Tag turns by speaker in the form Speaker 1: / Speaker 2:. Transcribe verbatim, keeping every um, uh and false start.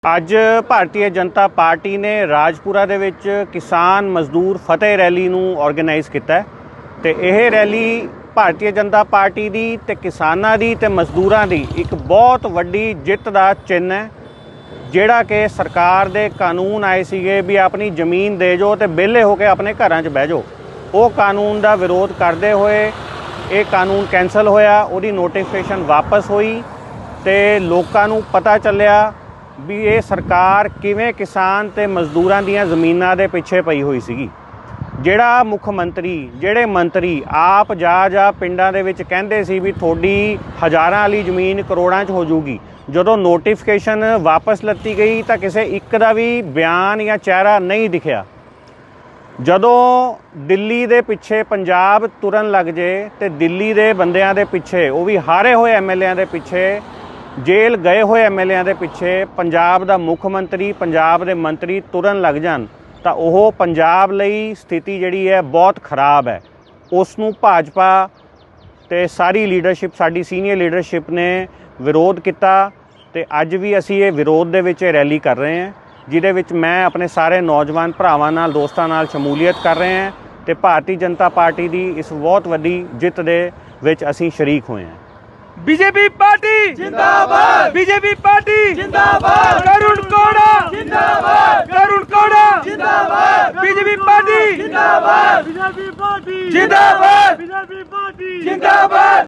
Speaker 1: ਅੱਜ ਭਾਰਤੀ ਜਨਤਾ ਪਾਰਟੀ ਨੇ ਰਾਜਪੁਰਾ ਦੇ ਵਿੱਚ ਕਿਸਾਨ ਮਜ਼ਦੂਰ ਫਤਿਹ ਰੈਲੀ ਨੂੰ ਆਰਗੇਨਾਈਜ਼ ਕੀਤਾ ਹੈ ਤੇ ਇਹ ਰੈਲੀ ਭਾਰਤੀ ਜਨਤਾ ਪਾਰਟੀ ਦੀ ਤੇ ਕਿਸਾਨਾਂ ਦੀ ਤੇ ਮਜ਼ਦੂਰਾਂ ਦੀ ਇੱਕ ਬਹੁਤ ਵੱਡੀ ਜਿੱਤ ਦਾ ਚਿੰਨ੍ਹ ਹੈ। ਜਿਹੜਾ ਕਿ ਸਰਕਾਰ ਦੇ ਕਾਨੂੰਨ ਆਏ ਸੀਗੇ ਵੀ ਆਪਣੀ ਜ਼ਮੀਨ ਦੇ ਜੋ ਤੇ ਵਿਹਲੇ ਹੋ ਕੇ ਆਪਣੇ ਘਰਾਂ 'ਚ ਬਹਿ ਜਾਓ, ਉਹ ਕਾਨੂੰਨ ਦਾ ਵਿਰੋਧ ਕਰਦੇ ਹੋਏ ਇਹ ਕਾਨੂੰਨ ਕੈਂਸਲ ਹੋਇਆ, ਉਹਦੀ ਨੋਟੀਫਿਕੇਸ਼ਨ ਵਾਪਸ ਹੋਈ ਤੇ ਲੋਕਾਂ ਨੂੰ ਪਤਾ ਚੱਲਿਆ ਵੀ ਇਹ ਸਰਕਾਰ ਕਿਵੇਂ ਕਿਸਾਨ ਤੇ ਮਜ਼ਦੂਰਾਂ ਦੀਆਂ ਜ਼ਮੀਨਾਂ ਦੇ ਪਿੱਛੇ ਪਈ ਹੋਈ ਸੀਗੀ। ਜਿਹੜਾ ਮੁੱਖ ਮੰਤਰੀ ਜਿਹੜੇ ਮੰਤਰੀ ਆਪ ਜਾ ਜਾ ਪਿੰਡਾਂ ਦੇ ਵਿੱਚ ਕਹਿੰਦੇ ਸੀ ਵੀ ਤੁਹਾਡੀ ਹਜ਼ਾਰਾਂ ਵਾਲੀ ਜ਼ਮੀਨ ਕਰੋੜਾਂ 'ਚ ਹੋ ਜਾਊਗੀ, ਜਦੋਂ ਨੋਟੀਫਿਕੇਸ਼ਨ ਵਾਪਸ ਲੱਤੀ ਗਈ ਤਾਂ ਕਿਸੇ ਇੱਕ ਦਾ ਵੀ ਬਿਆਨ ਜਾਂ ਚਿਹਰਾ ਨਹੀਂ ਦਿਖਿਆ। ਜਦੋਂ ਦਿੱਲੀ ਦੇ ਪਿੱਛੇ ਪੰਜਾਬ ਤੁਰਨ ਲੱਗ ਜੇ ਤੇ ਦਿੱਲੀ ਦੇ ਬੰਦਿਆਂ ਦੇ ਪਿੱਛੇ, ਉਹ ਵੀ ਹਾਰੇ ਹੋਏ ਐਮ ਐਲ ਏਆਂ ਦੇ ਪਿੱਛੇ, ਜੇਲ੍ਹ ਗਏ ਹੋਏ ਐਮ ਐਲ ਏਆਂ ਦੇ ਪਿੱਛੇ ਪੰਜਾਬ ਦਾ ਮੁੱਖ ਮੰਤਰੀ ਪੰਜਾਬ ਦੇ ਮੰਤਰੀ ਤੁਰਨ ਲੱਗ ਜਾਣ ਤਾਂ ਉਹ ਪੰਜਾਬ ਲਈ ਸਥਿਤੀ ਜਿਹੜੀ ਹੈ ਬਹੁਤ ਖਰਾਬ ਹੈ। ਉਸ ਨੂੰ ਭਾਜਪਾ ਤੇ ਸਾਰੀ ਲੀਡਰਸ਼ਿਪ, ਸਾਡੀ ਸੀਨੀਅਰ ਲੀਡਰਸ਼ਿਪ ਨੇ ਵਿਰੋਧ ਕੀਤਾ ਤੇ ਅੱਜ ਵੀ ਅਸੀਂ ਇਹ ਵਿਰੋਧ ਦੇ ਵਿੱਚ ਰੈਲੀ ਕਰ ਰਹੇ ਹਾਂ, ਜਿਹਦੇ ਵਿੱਚ ਮੈਂ ਆਪਣੇ ਸਾਰੇ ਨੌਜਵਾਨ ਭਰਾਵਾਂ ਨਾਲ ਦੋਸਤਾਂ ਨਾਲ ਸ਼ਮੂਲੀਅਤ ਕਰ ਰਹੇ ਹਾਂ ਤੇ ਭਾਰਤੀ ਜਨਤਾ ਪਾਰਟੀ ਦੀ ਇਸ ਬਹੁਤ ਵੱਡੀ ਜਿੱਤ ਦੇ ਵਿੱਚ ਅਸੀਂ ਸ਼ਰੀਕ ਹੋਏ ਹਾਂ।
Speaker 2: बीजेपी पार्टी जिंदाबाद, बीजेपी पार्टी जिंदाबाद, करुण कोड़ा जिंदाबाद, करुण कोड़ा जिंदाबाद, बीजेपी पार्टी जिंदाबाद, बीजेपी पार्टी जिंदाबाद, बीजेपी पार्टी जिंदाबाद।